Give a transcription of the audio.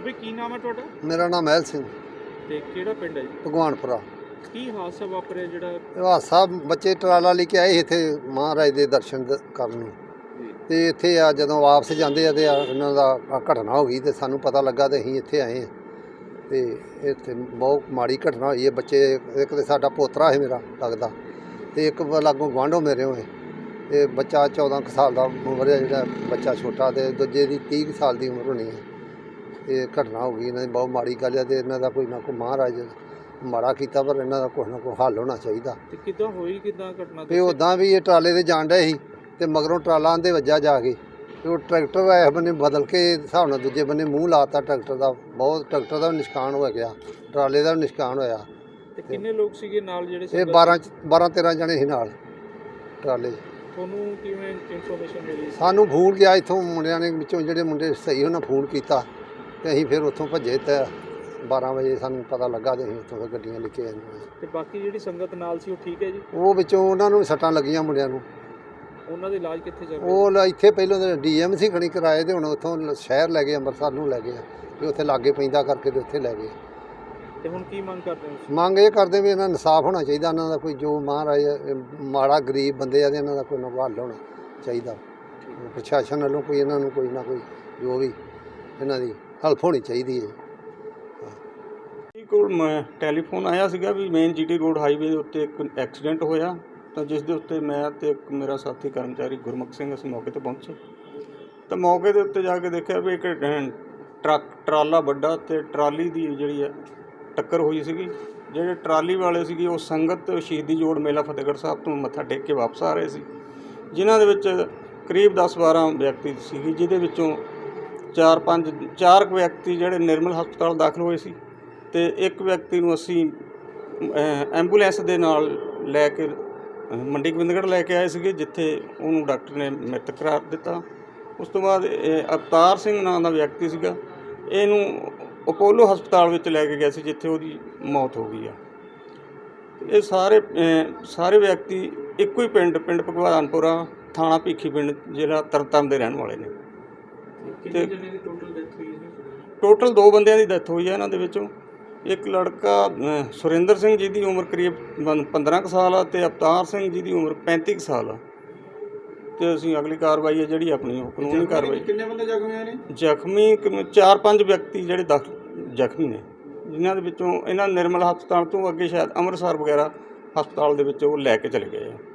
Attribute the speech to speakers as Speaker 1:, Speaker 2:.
Speaker 1: ਬਈ ਕੀ ਨਾਮ ਹੈ ਤੁਹਾਡਾ?
Speaker 2: ਮੇਰਾ ਨਾਮ ਮਹਿਲ ਸਿੰਘ,
Speaker 1: ਤੇ ਕਿਹੜਾ ਪਿੰਡ ਹੈ ਜੀ?
Speaker 2: ਭਗਵਾਨਪੁਰਾ।
Speaker 1: ਕੀ ਹਾਦਸਾ ਵਾਪਰਿਆ ਜਿਹੜਾ?
Speaker 2: ਇਹ ਹਾਦਸਾ ਬੱਚੇ ਟਰਾਲਾ ਲੈ ਕੇ ਆਏ ਇੱਥੇ ਮਹਾਰਾਜ ਦੇ ਦਰਸ਼ਨ ਕਰਨ ਨੂੰ, ਤੇ ਇੱਥੇ ਆ ਜਦੋਂ ਵਾਪਸ ਜਾਂਦੇ ਆ ਤੇ ਇਹਨਾਂ ਦਾ ਘਟਨਾ ਹੋ ਗਈ ਤੇ ਸਾਨੂੰ ਪਤਾ ਲੱਗਾ ਤੇ ਅਸੀਂ ਇੱਥੇ ਆਏ ਹਾਂ। ਤੇ ਇੱਥੇ ਬਹੁਤ ਮਾੜੀ ਘਟਨਾ ਹੋਈ ਹੈ। ਬੱਚੇ ਇੱਕ ਤੇ ਸਾਡਾ ਪੋਤਰਾ ਹੈ ਮੇਰਾ ਲੱਗਦਾ, ਤੇ ਇੱਕ ਲਾਗੋਂ ਗੁਆਂਢੋਂ ਮੇਰੇ ਹੋਏ, ਤੇ ਬੱਚਾ 14 ਕੁ ਸਾਲ ਦਾ ਉਮਰ ਹੈ, ਜਿਹੜਾ ਬੱਚਾ ਛੋਟਾ, ਤੇ ਦੂਜੇ ਦੀ 30 ਕੁ ਸਾਲ ਦੀ ਉਮਰ ਹੋਣੀ ਹੈ। ਇਹ ਘਟਨਾ ਹੋ ਗਈ, ਇਹਨਾਂ ਦੀ ਬਹੁਤ ਮਾੜੀ ਗੱਲ ਹੈ, ਤੇ ਇਹਨਾਂ ਦਾ ਕੋਈ ਨਾ ਕੋਈ ਮਹਾਰਾਜ ਮਾੜਾ ਕੀਤਾ, ਪਰ ਇਹਨਾਂ ਦਾ ਕੁਛ ਨਾ ਕੋਈ ਹੱਲ ਹੋਣਾ ਚਾਹੀਦਾ।
Speaker 1: ਤੇ ਕਿੱਦਾਂ ਹੋਈ ਕਿੱਦਾਂ ਘਟਨਾ?
Speaker 2: ਤੇ ਉੱਦਾਂ ਵੀ ਇਹ ਟਰਾਲੇ 'ਤੇ ਜਾਣ ਡਏ ਸੀ, ਤੇ ਮਗਰੋਂ ਟਰਾਲਾ ਆਂਦੇ ਵੱਜਾ ਜਾ ਕੇ, ਤੇ ਉਹ ਟਰੈਕਟਰ ਇਸ ਬੰਨੇ ਬਦਲ ਕੇ ਹਿਸਾਬ ਨਾਲ ਦੂਜੇ ਬੰਨੇ ਮੂੰਹ ਲਾਤਾ ਟਰੈਕਟਰ ਦਾ। ਬਹੁਤ ਟਰੈਕਟਰ ਦਾ ਵੀ ਨੁਕਸਾਨ ਹੋ ਗਿਆ, ਟਰਾਲੇ ਦਾ ਵੀ ਨੁਕਸਾਨ ਹੋਇਆ।
Speaker 1: ਤੇ ਕਿੰਨੇ ਲੋਕ ਸੀਗੇ ਨਾਲ ਜਿਹੜੇ?
Speaker 2: ਇਹ 12-13 ਜਣੇ ਸੀ ਨਾਲ ਟਰਾਲੇ 'ਚ।
Speaker 1: ਤੁਹਾਨੂੰ ਕਿਵੇਂ ਇਨਫੋਰਮੇਸ਼ਨ ਮਿਲੀ?
Speaker 2: ਸਾਨੂੰ ਫੋਨ ਗਿਆ ਇੱਥੋਂ ਮੁੰਡਿਆਂ ਨੇ, ਵਿੱਚੋਂ ਜਿਹੜੇ ਮੁੰਡੇ ਸਹੀ ਉਹਨਾਂ ਫੋਨ ਕੀਤਾ, ਤੇ ਅਸੀਂ ਫਿਰ ਉੱਥੋਂ ਭੱਜੇ, ਤੇ 12 ਵਜੇ ਸਾਨੂੰ ਪਤਾ ਲੱਗਾ, ਤੇ ਅਸੀਂ ਉੱਥੋਂ ਫਿਰ ਗੱਡੀਆਂ ਲੈ ਕੇ ਆਏ।
Speaker 1: ਤੇ ਬਾਕੀ ਜਿਹੜੀ ਸੰਗਤ ਨਾਲ ਸੀ ਉਹ ਠੀਕ ਹੈ ਜੀ?
Speaker 2: ਉਹ ਵਿੱਚੋਂ ਉਹਨਾਂ ਨੂੰ ਵੀ ਸੱਟਾਂ ਲੱਗੀਆਂ ਮੁੰਡਿਆਂ ਨੂੰ।
Speaker 1: ਉਹਨਾਂ ਦਾ ਇਲਾਜ ਕਿੱਥੇ ਚੱਲ ਰਿਹਾ?
Speaker 2: ਉਹ ਇੱਥੇ ਪਹਿਲਾਂ ਤਾਂ DMC ਖਣੀ ਕਰਾਏ, ਤੇ ਹੁਣ ਉੱਥੋਂ ਸ਼ਹਿਰ ਲੈ ਗਏ, ਅੰਮ੍ਰਿਤਸਰ ਨੂੰ ਲੈ ਗਏ, ਤੇ ਉੱਥੇ ਲਾਗੇ ਪੈਂਦਾ ਕਰਕੇ ਤੇ ਉੱਥੇ ਲੈ ਗਏ।
Speaker 1: ਤੇ ਹੁਣ ਕੀ ਮੰਗ ਕਰਦੇ ਹੋ?
Speaker 2: ਮੰਗ ਇਹ ਕਰਦੇ ਵੀ ਇਹਨਾਂ ਨੂੰ ਇਨਸਾਫ ਹੋਣਾ ਚਾਹੀਦਾ, ਇਹਨਾਂ ਦਾ ਕੋਈ ਜੋ ਮਹਾਰਾਜ ਮਾੜਾ ਗਰੀਬ ਬੰਦੇ ਆ, ਤੇ ਇਹਨਾਂ ਦਾ ਕੋਈ ਨਾ ਕੋਈ ਹੱਲ ਹੋਣਾ ਚਾਹੀਦਾ। ਪ੍ਰਸ਼ਾਸਨ ਵੱਲੋਂ ਕੋਈ ਇਹਨਾਂ ਨੂੰ ਕੋਈ ਨਾ ਕੋਈ ਜੋ ਵੀ ਇਹਨਾਂ ਦੀ ਹੈਲਪ ਹੋਣੀ ਚਾਹੀਦੀ ਹੈ।
Speaker 3: ਕੋਲ ਟੈਲੀਫੋਨ ਆਇਆ ਸੀਗਾ ਵੀ ਮੇਨ GT ਰੋਡ ਹਾਈਵੇ ਦੇ ਉੱਤੇ ਇੱਕ ਐਕਸੀਡੈਂਟ ਹੋਇਆ, ਤਾਂ ਜਿਸ ਦੇ ਉੱਤੇ ਮੈਂ ਤੇ ਇੱਕ ਮੇਰਾ ਸਾਥੀ ਕਰਮਚਾਰੀ ਗੁਰਮੁਖ ਸਿੰਘ ਅਸੀਂ ਮੌਕੇ 'ਤੇ ਪਹੁੰਚੇ। ਤਾਂ ਮੌਕੇ ਦੇ ਉੱਤੇ ਜਾ ਕੇ ਦੇਖਿਆ ਵੀ ਇੱਕ ਟਰਾਲਾ ਵੱਡਾ ਤੇ ਟਰਾਲੀ ਦੀ ਜਿਹੜੀ ਹੈ ਟੱਕਰ ਹੋਈ ਸੀਗੀ। ਜਿਹੜੇ ਟਰਾਲੀ ਵਾਲੇ ਸੀਗੇ ਉਹ ਸੰਗਤ ਸ਼ਹੀਦੀ ਜੋੜ ਮੇਲਾ ਫਤਿਹਗੜ੍ਹ ਸਾਹਿਬ ਤੋਂ ਮੱਥਾ ਟੇਕ ਕੇ ਵਾਪਸ ਆ ਰਹੇ ਸੀ, ਜਿਨ੍ਹਾਂ ਦੇ ਵਿੱਚ ਕਰੀਬ 10-12 ਵਿਅਕਤੀ ਸੀਗੇ, ਜਿਹਦੇ ਵਿੱਚੋਂ 4 ਵਿਅਕਤੀ ਜਿਹੜੇ ਨਿਰਮਲ ਹਸਪਤਾਲ ਦਾਖਲ ਹੋਏ ਸੀ, ਤੇ ਇੱਕ ਵਿਅਕਤੀ ਨੂੰ ਅਸੀਂ ਐਂਬੂਲੈਂਸ ਦੇ ਨਾਲ ਲੈ ਕੇ ਮੰਡੀ ਗੋਬਿੰਦਗੜ੍ਹ ਲੈ ਕੇ ਆਏ ਸੀਗੇ, ਜਿੱਥੇ ਉਹਨੂੰ ਡਾਕਟਰ ਨੇ ਮ੍ਰਿਤਕ ਕਰਾਰ ਦਿੱਤਾ। ਉਸ ਤੋਂ ਬਾਅਦ ਅਵਤਾਰ ਸਿੰਘ ਨਾਂ ਦਾ ਵਿਅਕਤੀ ਸੀਗਾ, ਇਹਨੂੰ ਅਪੋਲੋ ਹਸਪਤਾਲ ਵਿੱਚ ਲੈ ਕੇ ਗਏ ਸੀ, ਜਿੱਥੇ ਉਹਦੀ ਮੌਤ ਹੋ ਗਈ ਆ। ਇਹ ਸਾਰੇ ਵਿਅਕਤੀ ਇੱਕੋ ਹੀ ਪਿੰਡ ਭਗਵਾਨਪੁਰਾ, ਥਾਣਾ ਭੀਖੀ ਪਿੰਡ, ਜ਼ਿਲ੍ਹਾ ਤਰਨਤਾਰਨ ਦੇ ਰਹਿਣ ਵਾਲੇ ਨੇ।
Speaker 1: ਕਿੰਨੇ ਜਣੇ ਦੀ ਟੋਟਲ ਡੈਥ ਹੋਈ ਹੈ?
Speaker 3: ਟੋਟਲ 2 ਬੰਦਿਆਂ ਦੀ ਡੈਥ ਹੋਈ ਹੈ। ਇਹਨਾਂ ਦੇ ਵਿੱਚੋਂ ਇੱਕ ਲੜਕਾ ਸੁਰਿੰਦਰ ਸਿੰਘ, ਜਿਹਦੀ ਉਮਰ ਕਰੀਬ 15 ਕੁ ਸਾਲ ਆ, ਤੇ ਅਵਤਾਰ ਸਿੰਘ ਜਿਹਦੀ ਉਮਰ 35 ਕੁ ਸਾਲ ਆ। ਤੇ ਅਸੀਂ ਅਗਲੀ ਕਾਰਵਾਈ ਹੈ ਜਿਹੜੀ ਆਪਣੀ ਉਹ ਕਾਨੂੰਨੀ ਕਾਰਵਾਈ।
Speaker 1: ਕਿੰਨੇ ਬੰਦੇ ਜ਼ਖਮੀ ਹੋਏ ਨੇ?
Speaker 3: ਜ਼ਖਮੀ 4-5 ਵਿਅਕਤੀ ਜਿਹੜੇ ਜ਼ਖਮੀ ਨੇ, ਜਿਨ੍ਹਾਂ ਦੇ ਵਿੱਚੋਂ ਇਹਨਾਂ ਨਿਰਮਲ ਹਸਪਤਾਲ ਤੋਂ ਅੱਗੇ ਸ਼ਾਇਦ ਅੰਮ੍ਰਿਤਸਰ ਵਗੈਰਾ ਹਸਪਤਾਲ ਦੇ ਵਿੱਚ ਉਹ ਲੈ ਕੇ ਚਲੇ ਗਏ ਆ।